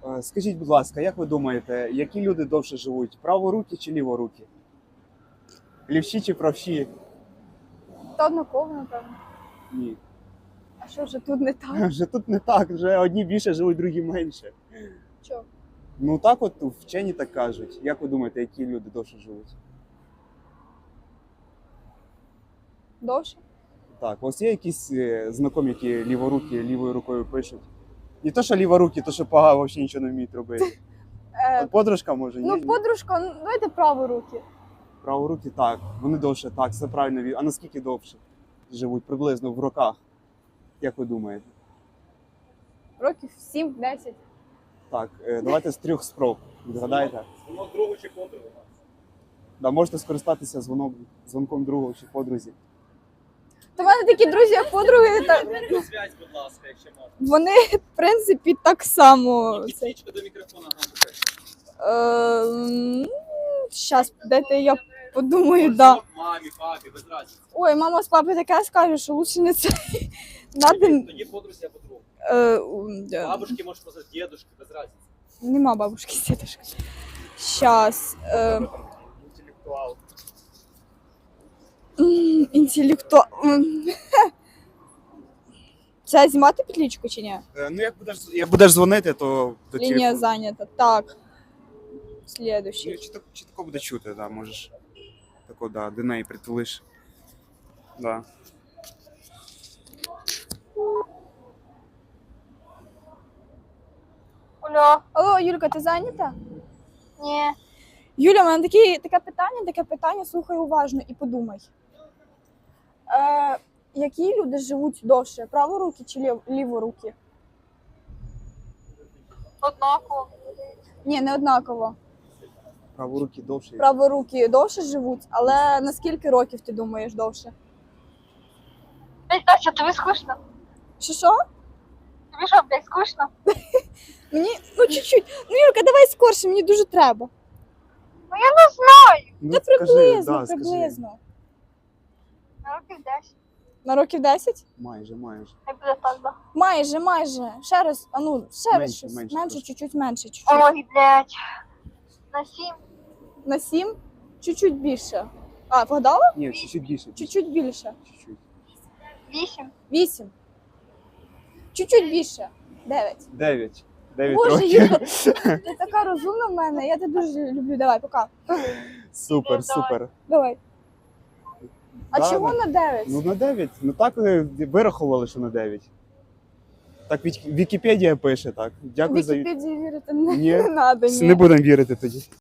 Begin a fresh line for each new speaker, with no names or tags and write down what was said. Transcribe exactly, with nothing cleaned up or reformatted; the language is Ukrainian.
Е, Скажіть, будь ласка, як ви думаєте, які люди довше живуть? Праворукі чи ліворукі? Лівші чи правші?
Та однаково, напевно.
Ні.
А що вже тут не так?
Вже тут не так, вже одні більше живуть, другі менше.
Чого?
Ну так от вчені так кажуть. Як ви думаєте, які люди довше живуть?
Довше?
Так, ось є якісь е, знайомі, які ліворукі, лівою рукою пишуть. Не то, що ліворукі, то що пога взагалі нічого не вміють робити.
Е,
От подружка може, ні?
ну,
Ні?
подружка, ну, давайте праворуки.
Праворукі так, вони довше, так, все правильно. від- А наскільки довше живуть? Приблизно в роках. Як ви думаєте?
Років сім-десять.
Так, е, давайте з трьох спроб. Відгадаєте?
Воно другу чи подругу.
Да, можете скористатися дзвоном, дзвонком другого чи подрузі.
Та в мене такі друзі, як подруги, та...
Зробіть зв'язь, будь ласка, якщо можна.
вони, в принципі, так само.
І
Це...
підсічка до мікрофона гамбука.
Щас, дайте я подумаю, да.
Мамі, папі, без разниці.
Ой, мама з папою таке скаже, що лучше не це. Надо...
Тоді подрузі або другу.
Е, м, да.
Бабушки, може, просто дідушки, без разниці.
Нема бабушки з дедушкою. Щас. Е,
Інтелектуал.
м, інтелекту... м, Це знімати петлічку чи ні?
Е, Ну, як будеш, як будеш дзвонити, то до
Лінія
телефону.
зайнята. Так.
Ну,
Слідуючий.
чітко, чітко буде чути, да, можеш. Тако, да, до неї притулиш. Да.
Алло. Алло, Юлька, ти зайнята?
Ні.
Юля, у мене такі, таке питання, таке питання, слухай уважно і подумай. Е, які люди живуть довше? Праворукі чи лів, ліворукі?
Однаково.
Ні, не однаково.
Праворукі довше.
Праворукі довше живуть, але на скільки років ти думаєш довше?
Блять, Тася, тобі скучно?
Що що?
Тобі що, блядь, скучно?
Мені, ну чуть-чуть. Ну, Юлька, давай скорше, мені дуже треба.
Ну я не знаю.
Ну,
Та
скажи,
приблизно,
да, скажи.
приблизно.
На років десять.
На років десять?
Майже, майже.
Не буде так, да.
Майже, майже. Ще раз, а ну, ще раз
Менше,
щось.
менше
Менше,
трошки.
чуть-чуть менше. Чуть-чуть.
Ой, блядь. На сім.
На сім, чуть-чуть більше. А, вгадала?
Ні, чуть-чуть більше.
Чуть-чуть більше.
Чуть-чуть.
Вісім.
Вісім. Чуть-чуть більше. Дев'ять.
Дев'ять. Дев'ять
Боже,
років.
Юля, ти така розумна в мене, я тебе дуже люблю. Давай, пока.
Супер, супер.
Давай. А
Да,
чого
да.
на дев'ять?
Ну на дев'ять. Ну так е, вирахували, що на дев'ять. Так Вік- Вікіпедія пише так. Дякую за від-
Вікіпедії вірити не,
Ні.
не надо,
Не
ні.
будемо вірити тоді.